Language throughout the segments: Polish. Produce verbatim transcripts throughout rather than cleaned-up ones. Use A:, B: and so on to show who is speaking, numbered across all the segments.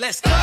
A: Let's go.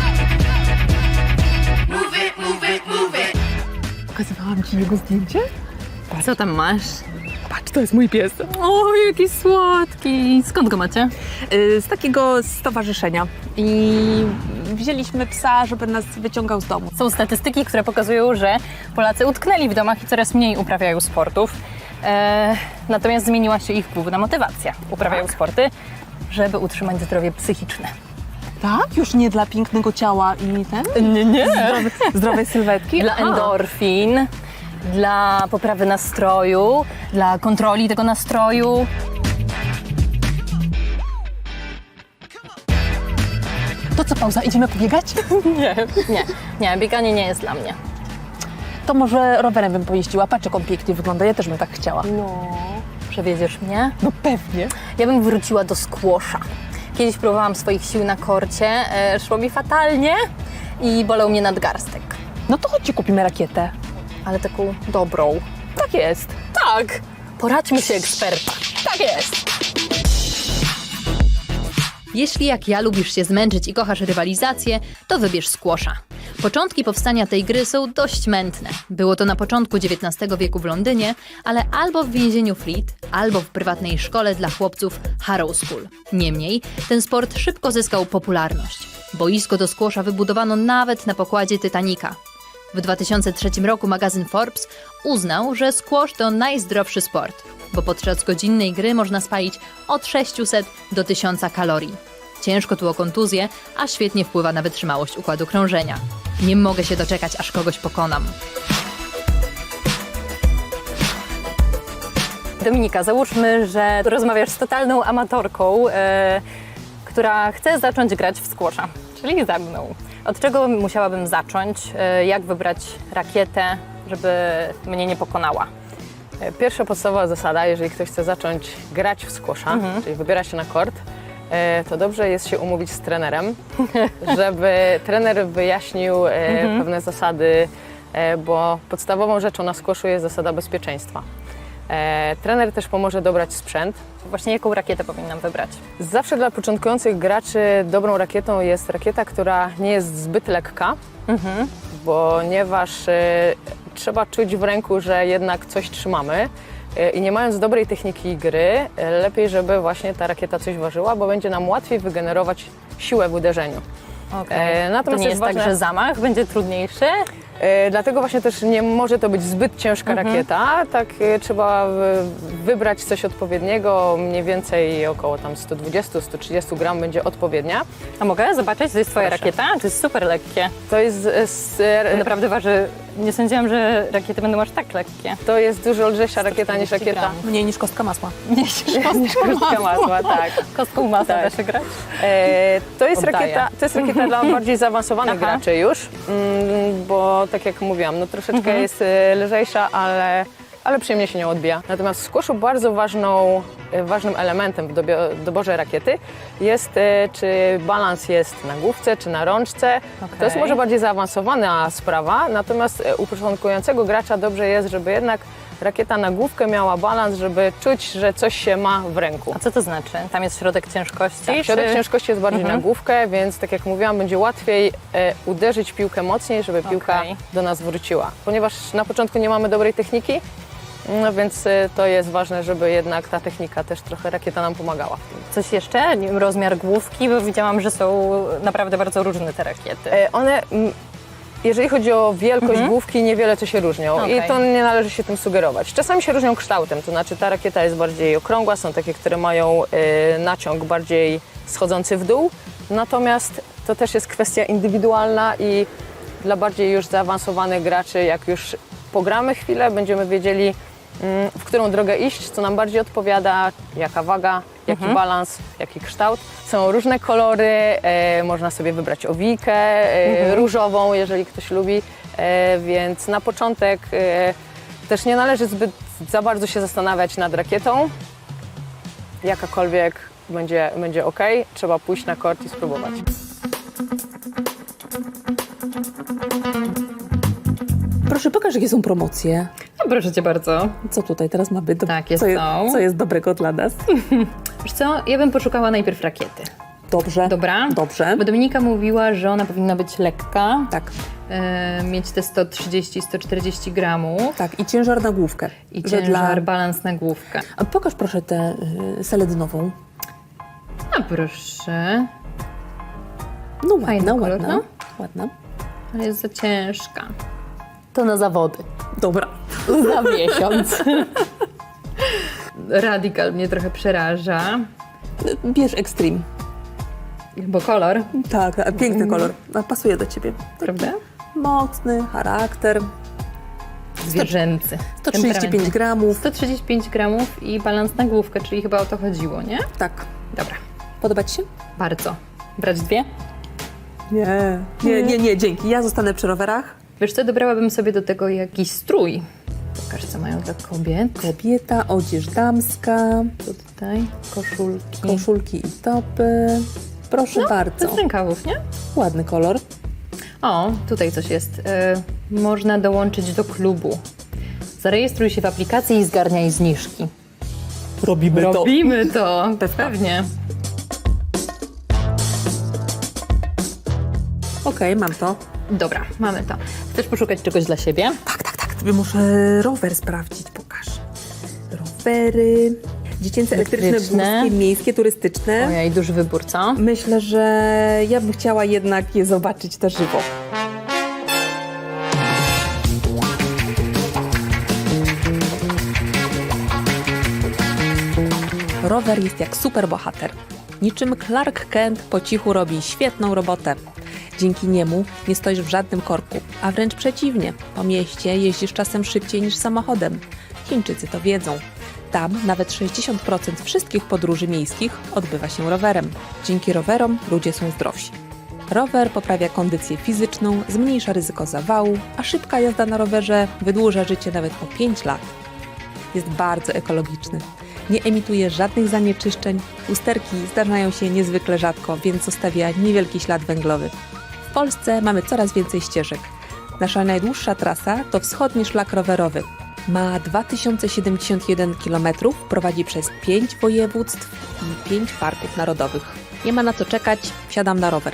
A: Move it, move it, move it.
B: Pokazywałam ci jego zdjęcie?
C: Co tam masz?
B: Patrz, to jest mój pies.
C: O, jaki słodki. Skąd go macie?
B: Y, Z takiego stowarzyszenia. I wzięliśmy psa, żeby nas wyciągał z domu.
C: Są statystyki, które pokazują, że Polacy utknęli w domach i coraz mniej uprawiają sportów. E, natomiast zmieniła się ich główna motywacja. Uprawiają sporty, żeby utrzymać zdrowie psychiczne.
B: Tak? Już nie dla pięknego ciała i ten?
C: Nie, nie.
B: Zdrowej, zdrowej sylwetki?
C: Dla
B: Aha.
C: endorfin, dla poprawy nastroju, dla kontroli tego nastroju.
B: To co, pauza? Idziemy pobiegać?
C: Nie, nie, nie, bieganie nie jest dla mnie.
B: To może rowerem bym pojeździła. Patrz, jak on pięknie wygląda. Ja też bym tak chciała.
C: No, przewieziesz mnie?
B: No pewnie.
C: Ja bym wróciła do squasha. Kiedyś próbowałam swoich sił na korcie, e, szło mi fatalnie i bolał mnie nadgarstek.
B: No to chodźcie, kupimy rakietę.
C: Ale taką dobrą.
B: Tak jest.
C: Tak! Poradźmy się eksperta. Tak jest!
D: Jeśli jak ja lubisz się zmęczyć i kochasz rywalizację, to wybierz squasha. Początki powstania tej gry są dość mętne. Było to na początku dziewiętnastego wieku w Londynie, ale albo w więzieniu Fleet, albo w prywatnej szkole dla chłopców Harrow School. Niemniej, ten sport szybko zyskał popularność. Boisko do squasha wybudowano nawet na pokładzie Titanica. W dwa tysiące trzecim roku magazyn Forbes uznał, że squash to najzdrowszy sport, bo podczas godzinnej gry można spalić od sześciuset do tysiąca kalorii. Ciężko tu o kontuzję, a świetnie wpływa na wytrzymałość układu krążenia. Nie mogę się doczekać, aż kogoś pokonam.
C: Dominika, załóżmy, że rozmawiasz z totalną amatorką, e, która chce zacząć grać w squasha, czyli ze mną. Od czego musiałabym zacząć? E, jak wybrać rakietę, żeby mnie nie pokonała?
E: Pierwsza podstawowa zasada, jeżeli ktoś chce zacząć grać w squasha,
C: Mhm.
E: czyli wybiera się na kort, e, to dobrze jest się umówić z trenerem, żeby trener wyjaśnił e,
C: Mhm.
E: pewne zasady, e, bo podstawową rzeczą na squashu jest zasada bezpieczeństwa. E, trener też pomoże dobrać sprzęt.
C: Właśnie jaką rakietę powinnam wybrać?
E: Zawsze dla początkujących graczy dobrą rakietą jest rakieta, która nie jest zbyt lekka,
C: Mhm.
E: ponieważ e, trzeba czuć w ręku, że jednak coś trzymamy e, i nie mając dobrej techniki gry, e, lepiej, żeby właśnie ta rakieta coś ważyła, bo będzie nam łatwiej wygenerować siłę w uderzeniu.
C: Okay.
E: E,
C: To
E: natomiast
C: nie jest
E: ważne,
C: tak, że zamach będzie trudniejszy?
E: e, dlatego właśnie też nie może to być zbyt ciężka
C: Mhm.
E: rakieta, tak e, trzeba w, wybrać coś odpowiedniego, mniej więcej około tam sto dwadzieścia do stu trzydziestu gram będzie odpowiednia.
C: A mogę zobaczyć? To jest twoja
E: Proszę.
C: rakieta? To jest super lekkie.
E: To jest, e, s, e,
C: Naprawdę waży... Nie sądziłam, że rakiety będą aż tak lekkie.
E: to jest dużo lżejsza rakieta niż
C: czterdzieści
E: rakieta.
C: gram.
B: Mniej niż kostka masła.
C: Nie
E: Niż kostka masła, tak.
C: Kostką masła
E: Tak.
C: da się grać?
E: E, to, jest
C: Oddaję.
E: rakieta, to jest rakieta dla bardziej zaawansowanych
C: Aha.
E: graczy już, mm, bo tak jak mówiłam, no troszeczkę
C: Mhm.
E: jest e, lżejsza, ale, ale przyjemnie się nią odbija. Natomiast w squashu bardzo ważną, e, ważnym elementem w dobio- doborze rakiety jest, e, czy balans jest na główce, czy na rączce. To jest
C: Okej.
E: może bardziej zaawansowana sprawa, natomiast e, u początkującego gracza dobrze jest, żeby jednak rakieta na główkę miała balans, żeby czuć, że coś się ma w ręku.
C: A co to znaczy? Tam jest środek ciężkości?
E: Tak, środek
C: czy...
E: ciężkości jest bardziej
C: Mhm.
E: na główkę, więc tak jak mówiłam, będzie łatwiej e, uderzyć piłkę mocniej, żeby piłka
C: Okej.
E: do nas wróciła. Ponieważ na początku nie mamy dobrej techniki, no więc e, to jest ważne, żeby jednak ta technika też trochę rakieta nam pomagała.
C: Coś jeszcze? Nie wiem, rozmiar główki, bo widziałam, że są naprawdę bardzo różne te rakiety.
E: E, one, m, jeżeli chodzi o wielkość
C: Mhm.
E: główki, niewiele co się różnią
C: Okej.
E: i to nie należy się tym sugerować. Czasami się różnią kształtem, to znaczy ta rakieta jest bardziej okrągła, są takie, które mają e, naciąg bardziej schodzący w dół, natomiast to też jest kwestia indywidualna i dla bardziej już zaawansowanych graczy, jak już pogramy chwilę, będziemy wiedzieli, mm, w którą drogę iść, co nam bardziej odpowiada, jaka waga, jaki
C: Mhm.
E: balans, jaki kształt. Są różne kolory, e, można sobie wybrać owijkę e,
C: Mhm.
E: różową, jeżeli ktoś lubi, e, więc na początek e, też nie należy zbyt za bardzo się zastanawiać nad rakietą. Jakakolwiek będzie, będzie ok, trzeba pójść na kort i spróbować.
B: Proszę, pokaż, jakie są promocje.
C: No, proszę cię bardzo.
B: Co tutaj teraz ma być? Do...
C: Takie
B: co, je-
C: są.
B: co jest dobrego dla nas?
C: Wiesz co, ja bym poszukała najpierw rakiety.
B: Dobrze.
C: Dobra.
B: Dobrze.
C: Bo Dominika mówiła, że ona powinna być lekka,
B: Tak,
C: e, mieć te sto trzydzieści do stu czterdziestu gramów
B: tak. I ciężar na główkę.
C: i
B: Że
C: ciężar, balans na główkę.
B: A pokaż proszę tę y, seledynową.
C: A proszę,
B: No
C: Fajny
B: ładna,
C: kolor,
B: ładna.
C: no.
B: Ładna.
C: ale jest za ciężka. To na zawody.
B: Dobra.
C: Za miesiąc. Radical mnie trochę przeraża,
B: Bierz Extreme.
C: bo kolor,
B: Tak, a piękny kolor. A pasuje do ciebie.
C: prawda?
B: Mocny charakter.
C: Zwierzęcy.
B: sto trzydzieści pięć gramów.
C: sto trzydzieści pięć gramów i balans na główkę, czyli chyba o to chodziło, nie?
B: Tak.
C: Dobra,
B: Podoba ci się?
C: bardzo. Brać dwie?
B: Nie. Nie, nie, nie, dzięki. Ja zostanę przy rowerach.
C: Wiesz co, dobrałabym sobie do tego jakiś strój. Pokaż, co mają dla kobiet.
B: Kobieta, odzież damska,
C: Co tutaj? Koszulki.
B: koszulki i topy. Proszę bardzo.
C: Bez rękawów, nie?
B: Ładny kolor.
C: O, tutaj coś jest. E, można dołączyć do klubu. Zarejestruj się w aplikacji i zgarniaj zniżki.
B: Robimy
C: Robimy to, pewnie.
B: Okej, mam to.
C: Dobra, mamy to. Chcesz poszukać czegoś dla siebie?
B: Tak, tak, tak. Tobie muszę rower sprawdzić. Pokaż. Rowery. Dziecięce, elektryczne,
C: Elektryczne.
B: górskie, miejskie, turystyczne.
C: Ojej, duży wybór, co?
B: Myślę, że ja bym chciała jednak je zobaczyć na żywo. Rower jest jak superbohater. Niczym Clark Kent po cichu robi świetną robotę. Dzięki niemu nie stoisz w żadnym korku, a wręcz przeciwnie. Po mieście jeździsz czasem szybciej niż samochodem. Chińczycy to wiedzą. Tam nawet sześćdziesiąt procent wszystkich podróży miejskich odbywa się rowerem. Dzięki rowerom ludzie są zdrowsi. Rower poprawia kondycję fizyczną, zmniejsza ryzyko zawału, a szybka jazda na rowerze wydłuża życie nawet o pięć lat. Jest bardzo ekologiczny. Nie emituje żadnych zanieczyszczeń, usterki zdarzają się niezwykle rzadko, więc zostawia niewielki ślad węglowy. W Polsce mamy coraz więcej ścieżek. Nasza najdłuższa trasa to wschodni szlak rowerowy. Ma dwa tysiące siedemdziesiąt jeden kilometrów, prowadzi przez pięć województw i pięć parków narodowych. Nie ma na co czekać, wsiadam na rower.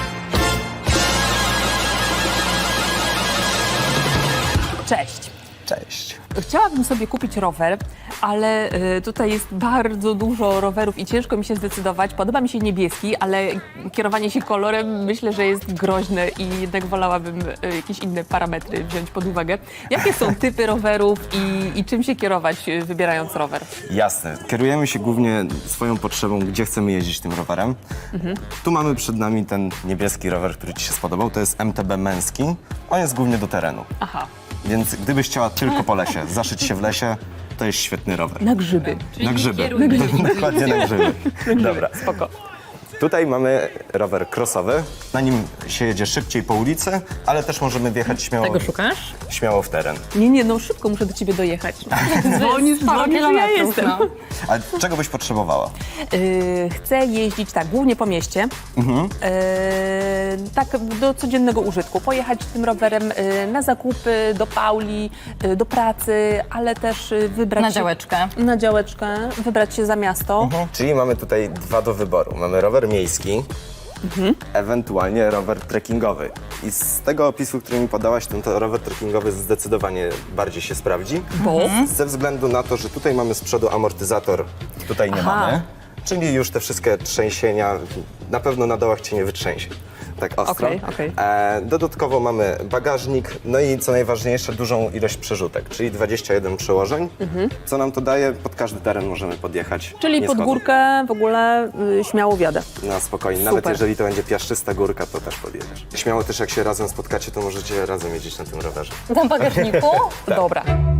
B: Cześć.
F: Cześć.
B: Chciałabym sobie kupić rower, ale y, tutaj jest bardzo dużo rowerów i ciężko mi się zdecydować. Podoba mi się niebieski, ale kierowanie się kolorem myślę, że jest groźne i jednak wolałabym y, jakieś inne parametry wziąć pod uwagę. Jakie są typy rowerów i, i czym się kierować, y, wybierając rower?
F: Jasne. Kierujemy się głównie swoją potrzebą, gdzie chcemy jeździć tym rowerem. Mhm. Tu mamy przed nami ten niebieski rower, który Ci się spodobał. To jest M T B męski. On jest głównie do terenu.
B: Aha,
F: Więc gdybyś chciała tylko po lesie, zaszyć się w lesie, to jest świetny rower.
B: na grzyby.
F: Na grzyby. Dokładnie na grzyby. Dobra.
B: Spoko.
F: Tutaj mamy rower crossowy. Na nim się jedzie szybciej po ulicy, ale też możemy wjechać śmiało,
C: Tego szukasz?
F: śmiało w teren.
B: Nie, nie, no szybko muszę do ciebie dojechać. Dzwonisz,
C: Sporo
B: dzwonisz, że ja
C: kilometrów,
B: jestem.
C: no.
F: A czego byś potrzebowała?
B: Yy, chcę jeździć tak, głównie po mieście,
F: Mhm.
B: yy, tak do codziennego użytku. Pojechać tym rowerem yy, na zakupy, do Pauli, yy, do pracy, ale też yy, wybrać
C: Na
B: się-
C: działeczkę.
B: Na działeczkę, wybrać się za miasto.
F: Mhm. Czyli mamy tutaj dwa do wyboru. Mamy rower miejski, ewentualnie rower trekkingowy. I z tego opisu, który mi podałaś, ten to rower trekkingowy zdecydowanie bardziej się sprawdzi.
B: Bo?
F: Ze względu na to, że tutaj mamy z przodu amortyzator, tutaj nie
B: Aha.
F: mamy. Czyli już te wszystkie trzęsienia, na pewno na dołach cię nie wytrzęsie. Tak ostro.
B: Okej, okej.
F: E, dodatkowo mamy bagażnik, no i co najważniejsze, dużą ilość przerzutek, czyli dwadzieścia jeden przełożeń. Co nam to daje? Pod każdy teren możemy podjechać.
B: Czyli
F: nie
B: pod
F: schodząc.
B: górkę w ogóle yy, śmiało wjadę.
F: Na spokojnie,
B: Super.
F: nawet jeżeli to będzie piaszczysta górka, to też podjedziesz. Śmiało też jak się razem spotkacie, to możecie razem jeździć na tym rowerze.
C: Na bagażniku?
B: Dobra.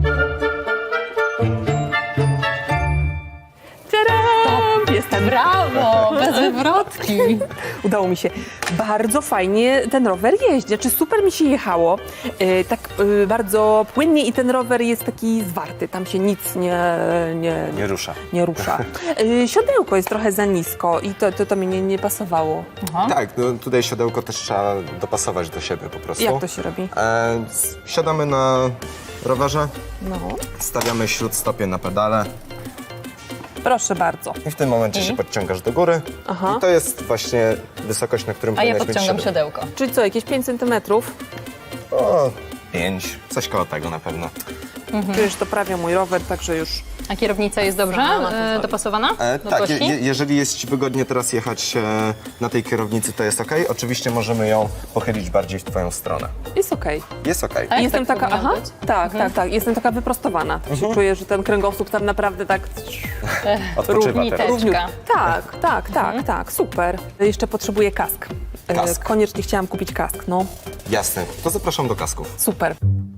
B: Tadam! Jestem.
C: Brawo, bez wywrotki.
B: Udało mi się. Bardzo fajnie ten rower jeździ. Czy super mi się jechało. Yy, tak yy, bardzo płynnie i ten rower jest taki zwarty. Tam się nic nie, nie,
F: Nie rusza.
B: nie rusza. Yy, siodełko jest trochę za nisko i to, to, to mi nie, nie pasowało.
F: Tak, no tutaj siodełko też trzeba dopasować do siebie po prostu.
B: Jak to się robi?
F: E, s- siadamy na rowerze,
B: No.
F: stawiamy śródstopie na pedale
B: Proszę bardzo.
F: I w tym momencie się podciągasz do góry.
B: Aha.
F: I to jest właśnie wysokość, na którym
C: A ja
F: powinnaś mieć
C: podciągam
F: siodełko.
C: siodełko.
B: Czyli co, jakieś pięć centymetrów?
F: O, pięć, coś koło tego na pewno.
B: Czujesz, to prawie mój rower, także już...
C: A kierownica jest dobrze
B: Sama to
C: e,
B: zrobi.
C: dopasowana
F: E,
C: do
F: tak, je,
C: kostki?
F: je, jeżeli jest Ci wygodnie teraz jechać e, na tej kierownicy, to jest ok. Oczywiście możemy ją pochylić bardziej w Twoją stronę.
B: Jest okej.
F: Jest ok.
C: Tak?
B: Jestem taka,
C: powinno
B: aha,
C: być?
B: tak, tak, tak, jestem taka wyprostowana. Tak się czuję, że ten kręgosłup tam naprawdę tak...
F: Odpoczywa
C: równiteczka.
F: teraz.
C: Równiutka.
B: Tak, tak, tak, tak, super. Jeszcze potrzebuję kask. E,
F: Kask.
B: Koniecznie chciałam kupić kask, no.
F: Jasne, to zapraszam do kasków.
B: Super.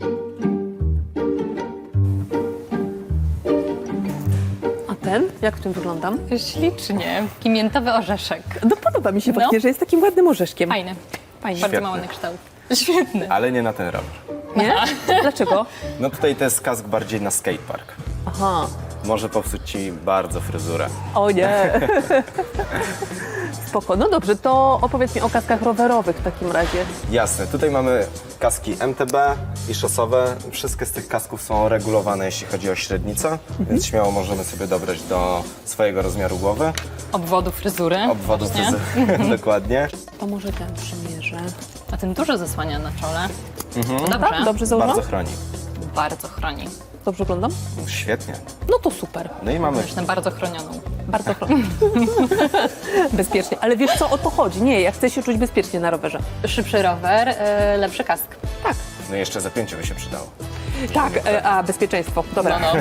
B: A ten? Jak w tym wyglądam?
C: Ślicznie. Pimiętowy orzeszek.
B: No podoba mi się
C: No.
B: właśnie, że jest takim ładnym orzeszkiem.
C: Fajny.
B: Fajnie.
C: Bardzo
F: Świetny.
C: mały na kształt. Świetny.
F: Ale nie na ten rower.
B: Nie? Dlaczego?
F: No tutaj to jest kask bardziej na skatepark.
B: Aha.
F: Może popsuć Ci bardzo fryzurę.
B: O nie. Spoko. No dobrze, to opowiedz mi o kaskach rowerowych w takim razie.
F: Jasne, tutaj mamy kaski M T B i szosowe. Wszystkie z tych kasków są regulowane, jeśli chodzi o średnicę, więc śmiało możemy sobie dobrać do swojego rozmiaru głowy,
C: Obwodu fryzury.
F: obwodu
C: Właśnie.
F: fryzury, dokładnie.
B: To może ten przymierzę.
C: A ten dużo zasłania na czole. To dobrze.
B: Tak? Dobrze założam?
F: Bardzo chroni.
C: Bardzo chroni.
B: Dobrze wyglądam?
F: Świetnie.
B: No to super.
F: No i mamy
C: Zresztą bardzo chronioną.
B: Bardzo bezpiecznie. Ale wiesz co, o to chodzi. Nie, ja chcę się czuć bezpiecznie na rowerze.
C: Szybszy rower, e, lepszy kask.
B: Tak.
F: No i jeszcze zapięcie by się przydało.
B: Tak, e, a bezpieczeństwo. Dobra.
C: No, no.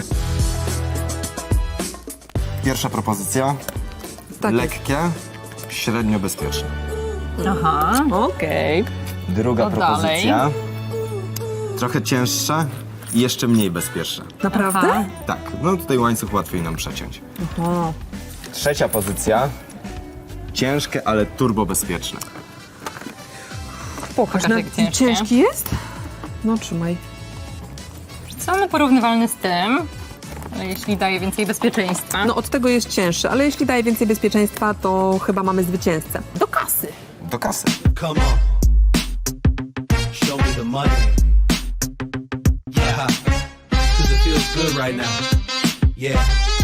F: Pierwsza propozycja.
B: Tak jest.
F: Lekkie, średnio bezpieczne.
C: Aha.
B: Okej.
F: Druga
C: To
F: propozycja. Trochę cięższa i jeszcze mniej bezpieczna.
B: Naprawdę?
C: Aha.
F: Tak, no tutaj łańcuch łatwiej nam przeciąć.
B: Aha.
F: Trzecia pozycja. Ciężkie, ale turbo bezpieczne.
B: Pokaż,
C: Pokaż,
B: na,
C: jak ciężkie.
B: ciężki jest? No trzymaj.
C: Co no porównywalny z tym, ale jeśli daje więcej bezpieczeństwa.
B: No od tego jest cięższy, ale jeśli daje więcej bezpieczeństwa, to chyba mamy zwycięzcę. Do kasy.
F: Do kasy.
G: Come on. Show me the money. Yeah. Cause it feels good right now. Yeah.